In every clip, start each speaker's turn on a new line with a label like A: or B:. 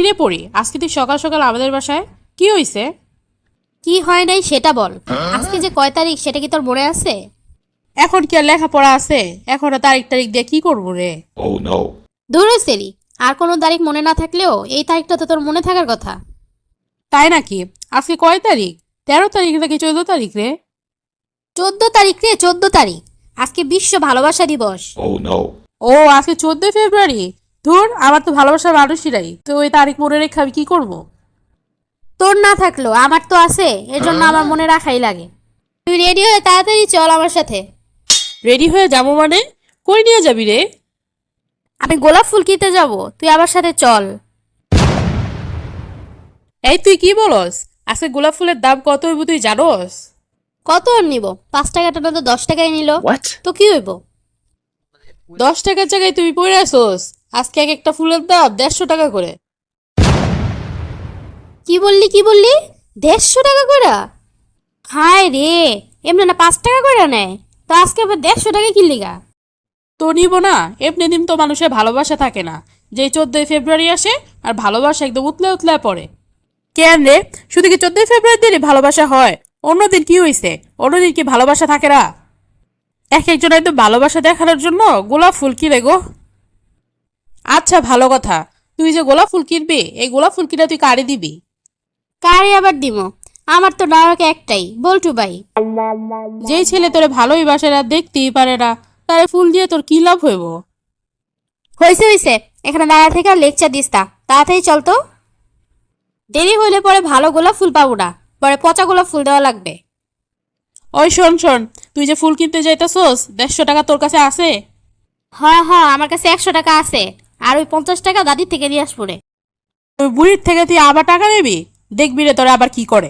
A: কিরে পড়ি, আজকে তুই সকাল সকাল আমাদের বাসায়? কি হইছে?
B: কি হয় নাই সেটা বল। আজকে যে কয় তারিখ সেটা কি তোর মনে আছে?
A: এখন কি আর লেখাপড়া আছে? এখন তারিখ তারিখ দিয়ে কি করবো রে?
B: ধুরো সেরি, আর কোনো তারিখ মনে না থাকলেও এই তারিখটা তো তোর মনে থাকার কথা।
A: তাই নাকি? আজকে কয় তারিখ? 13 তারিখ নাকি 14 তারিখ রে?
B: 14 তারিখ রে, 14 তারিখ। আজকে বিশ্ব ভালোবাসা দিবস।
A: ও আজকে 14 ফেব্রুয়ারি। ধুর, আমার তো ভালোবাসার মানুষই নাই, তো ওই তারিখ মনে রেখে আমি কি করবো?
B: তোর না থাকলো আমার তো আছে, এর জন্য আমার মনে রাখাই লাগে। তুই রেডি হয়ে তাড়াতাড়ি চল আমার সাথে।
A: রেডি হয়ে যাবো মানে? কই নিয়ে যাবি রে?
B: আমি গোলাপ ফুল কিনতে যাব, তুই আমার সাথে চল।
A: এই তুই কি বলস? আজকে গোলাপ ফুলের দাম কত হইব তুই জানোস?
B: কত আর নিব? 5 টাকাটা তো 10 টাকায় নিল। তো কি হইব?
A: 10 টাকার জায়গায় তুমি পড়ে আসোস। আজকে এক একটা ফুলের দাম 150 টাকা করে।
B: কি বললি 150 টাকা করে? হায় রে, এমনি না 5 টাকা করে নেয়, তো আজকে আবার 150 টাকা কিনলি গা?
A: তো নিব না, এমনি দিন তো মানুষের ভালোবাসা থাকে না, যে 14 ফেব্রুয়ারি আসে আর ভালোবাসা একদম উতলে উতলে পড়ে। কেন রে, শুধু কি 14 ফেব্রুয়ারি দিনই ভালোবাসা হয়? অন্যদিন কি হইছে? অন্যদিন কি ভালোবাসা থাকে না? এক একজন একদম ভালোবাসা দেখানোর জন্য গোলাপ ফুল কিনে গো। আচ্ছা ভালো কথা, তুই যে গোলাপ ফুল কিনবি, এই গোলাপ ফুল কিনে তুই কারে দিবি?
B: কারে আবার দিব? আমার তো নায়ক একটাই, বল্টু ভাই।
A: যেই ছেলে তোরে ভালোই বাসে না, দেখতেই পারে না, তারে ফুল দিয়ে তোর কি লাভ হইব?
B: হয়েছে, এখানে দাঁড়া থেকে আর লেকচার দিস তা, তাড়াতাড়ি চল তো। দেরি হইলে পরে ভালো গোলাপ ফুল পাবো না, পরে পচা গোলাপ ফুল দেওয়া লাগবে।
A: ওই শোন শোন, তুই যে ফুল কিনতে যাইতেছোস, 150 টাকা তোর কাছে আছে?
B: হ্যাঁ হ্যাঁ, আমার কাছে 100 টাকা আছে, আর ওই 50 টাকা দাদির থেকে নিয়ে আসবো রে।
A: ওই বুড়ির থেকে তুই আবার টাকা নিবি? দেখবি রে তোরা আবার কি করে।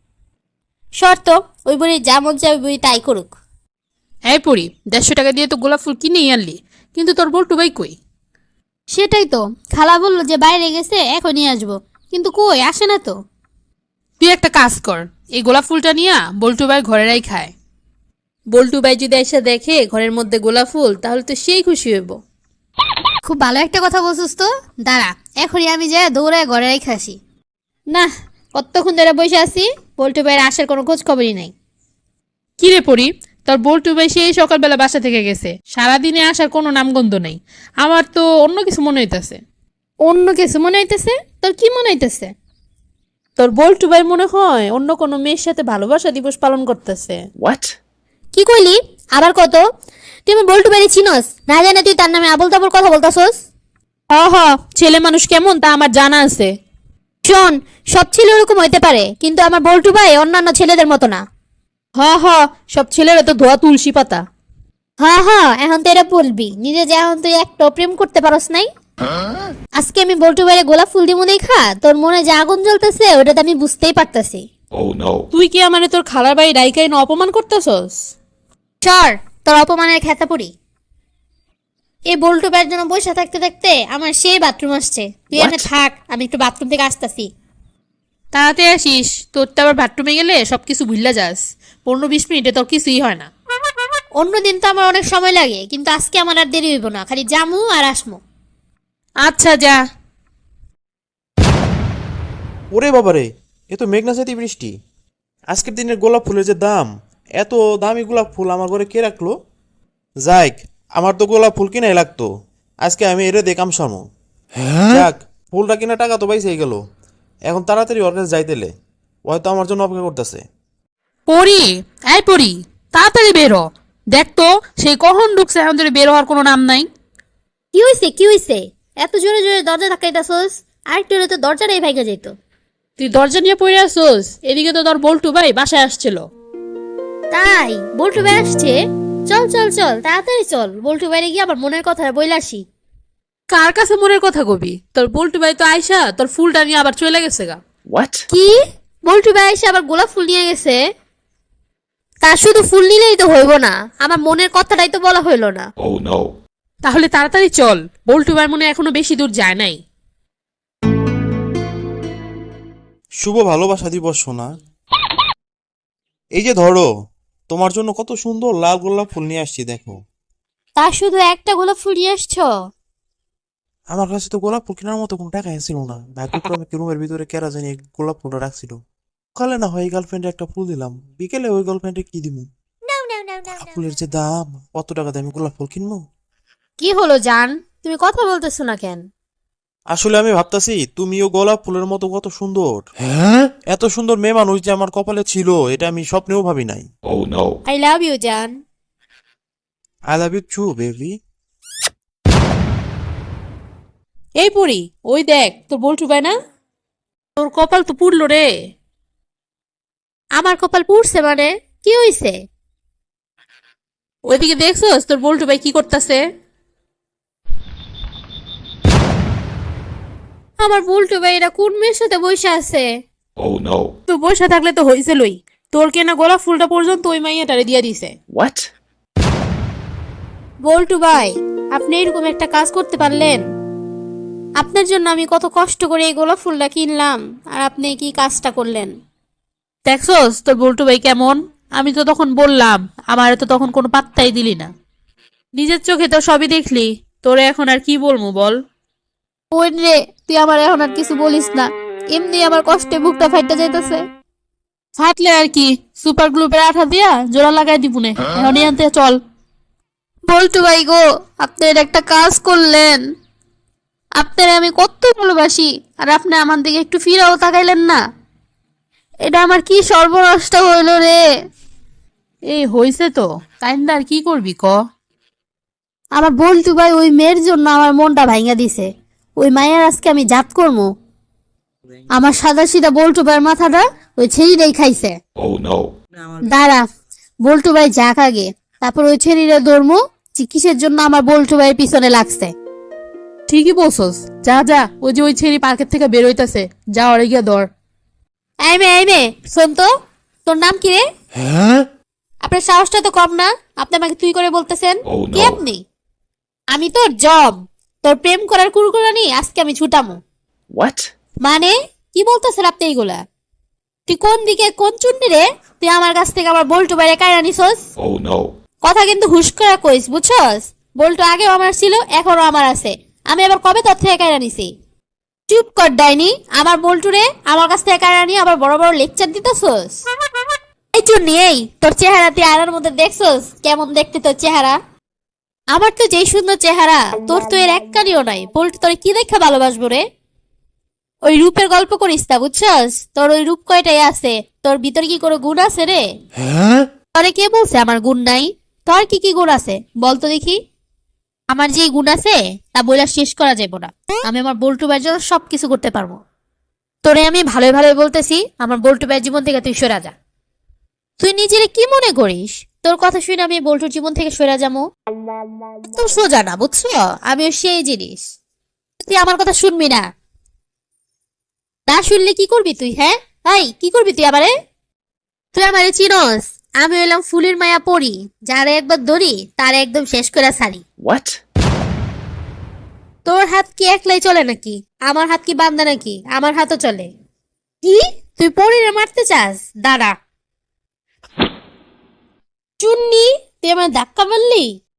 B: শর্ত, ওই বুড়ি যা মন চায় ওই বুড়ি তাই করুক।
A: এই পড়ি, 150 টাকা দিয়ে তো গোলাপ ফুল কিনেই আনলি, কিন্তু তোর বল্টু ভাই কই?
B: সেটাই তো, খালা বললো যে বাইরে গেছে, এখন নিয়ে আসবো, কিন্তু কই আসে না তো।
A: তুই একটা কাজ কর, এই গোলাপ ফুলটা নিয়ে বল্টু ভাই ঘরেরাই খায়। বল্টু ভাই যদি এসে দেখে ঘরের মধ্যে গোলাপ ফুল, তাহলে তো সেই খুশি হইব।
B: খুব ভালো একটা কথা বলছিস তো, দাঁড়া এখনই আমি যাই দৌড়ায় ঘরেই খাসি। না, কতক্ষণ ধরে বসে আছি, বল্টু ভাইয়ের আসার কোনো খোঁজ খবরই নাই।
A: কি রে পড়ি, তোর বল্টু ভাই সেই সকালবেলা বাসা থেকে গেছে, সারাদিনে আসার কোনো নামগন্ধ নাই। আমার তো অন্য কিছু মনে হইতাছে।
B: অন্য কিছু মনে হইতেছে? তোর কি মনে হইতেছে?
A: তোর বল্টু ভাই মনে হয় অন্য কোনো মেয়ের সাথে ভালোবাসা দিবস পালন করতেছে।
B: কি কইলি? আবার কত? তুই আমার বল্টু ভাইরে চিনস না, জানে তুই তার নামে আবল তাবল কথা বলতাছস?
A: হ হ, ছেলে মানুষ কেমন তা আমার জানা আছে।
B: শোন, সব ছেলে ওরকম হইতে পারে, কিন্তু আমার বল্টু ভাই অন্যান্য ছেলেদের মতো না।
A: হ হ, সব ছেলেরা তো ধোয়া তুলসী পাতা।
B: হ্যাঁ হ্যাঁ, এখন তো এটা বলবি নিজে যে এখন তুই একটা প্রেম করতে পারস নাই। আজকে আমি বল্টু ভাইরে গোলাপ ফুল দিব দেখা তোর মনে যে আগুন জ্বলতেছে ওটা তো আমি বুঝতেই পারতাছি।
A: তুই কি আমারে তোর খালার বাড়ি ডাইকাই না অপমান করতেছস?
B: সর, তোর অপমানের খেতা পড়ি। এই বল্টু ভাইয়ের জন্য বসে থাকতে থাকতে আমার সেই বাথরুম আসছে, তুই এখানে থাক, আমি একটু বাথরুম থেকে আসতাছি।
A: তাড়াতাড়ি আসিস, তোর তো আবার বাথরুমে গেলে সবকিছু ভুললা যাস। 15-20 মিনিটে তোর কিছুই হয় না।
B: অন্যদিন তো আমার অনেক সময় লাগে, কিন্তু আজকে আমার আর দেরি হইব না, খালি জামু আর আসমু।
A: আচ্ছা যা।
C: ওরে বাবারে, এ তো মেঘনা চাইতে বৃষ্টি। আজকের দিনের গোলাপ ফুলের যে দাম, এত দামি গোলাপ ফুল আমার ঘরে কে রাখলো? যাইক, আমার তো গোলাপ ফুল কিনাই লাগতো, আজকে আমি এরে দেখাম সামু। যাক, ফুলটা কিনা টাকা তো পাইছেই গেল। এখন তাড়াতাড়ি ওর কাছে যাইতেলে, ও হয়তো আমার জন্য অপেক্ষা করতেছে।
A: পড়ি, এই পড়ি, তাড়াতাড়ি বেরো। দেখ তো, সেই কখন ঢুকছে, এখন ধরে বের হওয়ার কোনো নাম নাই।
B: কি হইছে এত জোরে জোরে দরজা ধাক্কাইতাছস? আরেকটু হলে তো দরজাটাই ভাইগা যেত।
A: তুই দরজা নিয়ে পড়ে আসছোস, এদিকে তো তোর বল্টু ভাই বাসায় আসছিল।
B: তাই বল্টু ভাই আসছে? চল চল চল, তাড়াতাড়ি চল, বল্টু ভাইরে গিয়ে আবার মনের কথা বইলা আসি।
A: কার কাছে মনের কথা কবি? তোর বল্টু ভাই তো আইসা তোর ফুলটা নিয়ে আবার চলে গেছে গা।
B: কি? বল্টু ভাই এসে আবার গোলাপ ফুল নিয়ে গেছে? তার শুধু ফুল নিলেই তো হইব না, আমার মনের কথাটাই তো বলা হইল না।
A: তাহলে তাড়াতাড়ি চল, বল্টু ভাই মনে হয় এখনো বেশি দূর যায় নাই।
C: শুভ ভালোবাসা দিবস সোনা। এই যে ধরো, তোমার জন্য কত সুন্দর লাল গোলাপ ফুল নিয়ে আসছি, দেখো।
B: তার শুধু একটা গোলাপ ফুল নিয়ে আসছো?
C: আমার কাছে তো গোলাপ ফুল কেনার মতো কোনো টাকা ছিল না, ভাগ্যক্রমে কি রুমের ভিতরে কেরা জানি এই গোলাপ ফুলটা রাখছিল। সকালে না হয় গার্লফ্রেন্ডে একটা ফুল দিলাম, বিকেলে ওই গার্লফ্রেন্ডে কি দিব? গোলাপ ফুলের যে দাম, কত টাকা দামে গোলাপ ফুল কিনবো?
B: কি হলো জান, তুমি কথা বলতেছো না কেন?
C: আসলে আমি ভাবতাছি তুমিও গোলাপ ফুলের মতো কত সুন্দর। এত সুন্দর মেয়ে মানুষ যে আমার কপালে ছিল, এটা আমি স্বপ্নেও ভাবি নাই।
D: Oh no.
B: I love you জান।
C: I love you too baby.
A: এই পরি, ওই দেখ তোর বল্টু ভাই না, তোর কপাল তো পুড়লো রে।
B: আমার কপাল পুড়ছে মানে? কি হইছে?
A: ওইদিকে দেখছস তোর বল্টু ভাই কি করতেছে?
B: আমার বল্টু ভাই এরা কোন মেয়ের সাথে বসে আছে?
D: Oh no.
A: তো বসে থাকলে তো হইছিলই, তোর কেনা গোলাপ ফুলটা পর্যন্ত ওই মাইয়াটারে দিয়া দিছে।
D: What?
B: বল্টু ভাই, আপনি এরকম একটা কাজ করতে পারলেন? আপনার জন্য আমি কত কষ্ট করে এই গোলাপ ফুলটা কিনলাম, আর আপনি কি কাজটা করলেন?
A: দেখছস তোর বল্টু ভাই কেমন? আমি তো তখন বললাম, আমার তো তখন কোনো পাত্তাই দিলি না। নিজের চোখে তো সবই দেখলি, তোরে এখন আর কি বলবো বল।
B: ওই রে, তুই আমার এখন আর কিছু বলিস না, এমনি আমার কষ্টে বুকটা ফাইটে যাইতেছে।
A: ফাটলে আর কি, সুপার গ্লুপের আঠা দিয়া জোড়া লাগাই দিবুনে। এখন আনতে চল।
B: বল্টু ভাই গো, আপনার একটা কাজ করলেন। আপনার আমি কত ভালোবাসি, আর আপনি আমার দিকে একটু ফিরাও তাকাইলেন না। এটা আমার কি সর্বনাশটা হইল রে।
A: এই হইছে তো, কাইন্দা আর কি করবি ক।
B: আমার বল্টু ভাই ওই মেয়ের জন্য আমার মনটা ভাঙা দিছে। ওই মায়ের আজকে আমি জাত করবো। আমার সাদা সিধা বল্টু ভাইয়ের মাথাটা ওই ছেড়িটাই খাইছে।
D: Oh no.
B: দাঁড়া, বল্টু ভাই যাক আগে, তারপর ওই ছেড়িটা ধরমু যে কিসের জন্য আমার বল্টু ভাইয়ের পিছনে লাগছে।
A: ঠিকই বলছস, যা যা, ওই যে ওই ছেড়ি পার্কের থেকে বের হইতাছে, যা ওরে গিয়া ধর।
B: এই মে, শোন তো, তোর নাম কি রে? আপনার সাহসটা তো কম না, আপনি আমাকে তুই করে বলতেছেন।
D: Oh
B: কে
D: no.
B: আপনি? আমি তোর জব, তোর প্রেম করার কুরকুরানি আজকে আমি ছুটামু।
D: What?
B: মানে কি বলতেছেন আপনি এইগুলা? তুই কোন দিকে কোন চুন্নি রে? তুই আমার কাছ থেকে আমার বল্টু বাইরে কায়রা নিছস।
D: Oh no.
B: কথা কিন্তু হুশ করে কইস, বুঝছস? বল্টু আগেও আমার ছিল, এখনো আমার আছে। আমি আবার কবে তোর থেকে কায়রা নিছি? চুপ কর ডাইনি, আমার বল্টু রে আমার কাছ থেকে কায়রা নিয়ে আবার বড় বড় লেকচার দিতেছস। এই চুন্নি, এই তোর চেহারা তুই আয়নার মধ্যে দেখছস কেমন দেখতে তোর চেহারা? আমার তো যেই সুন্দর চেহারা, তোর তো এর এক কানিও নাই। বল্টু তোর কি দেখা ভালোবাসবো রে? ওই রূপের গল্প করিস না, বুঝছস? তোর ওই রূপ কয়টাই আছে, তোর ভিতরে কি কোনো গুণ আছে রে? তোরে কে বলছে আমার গুণ নাই? তোর কি কি গুণ আছে বলতো দেখি। আমার যে গুণ আছে তা বইলা শেষ করা যাবে না। আমি আমার বল্টু ভাইয়ের জন্য সবকিছু করতে পারবো। তোরে আমি ভালোই ভালোই বলতেছি, আমার বল্টু ভাইয়ের জীবন থেকে তুই সরে যা। তুই নিজেরে কি মনে করিস তোর কথা শুনে আমি বল্টুর জীবন থেকে সরে যাবো? তো সোজা না, বুঝছো? আমিও সেই জিনিস। তুই আমার কথা শুনবি না। না শুনলে কি করবি তুই? হ্যাঁ ভাই, কি করবি তুই আমারে? তুই আমারে চিনস? আমি হইলাম ফুলের মায়া পড়ি, যারা একবার ধরি তার একদম শেষ করে ছাড়ি।
D: What?
B: তোর হাত কি একলাই চলে নাকি? আমার হাত কি বান্ধা নাকি? আমার হাতও চলে। কি তুই পরীরে মারতে চাস? দাঁড়া। চুন্নি, তুই আমার ধাক্কা মারলি?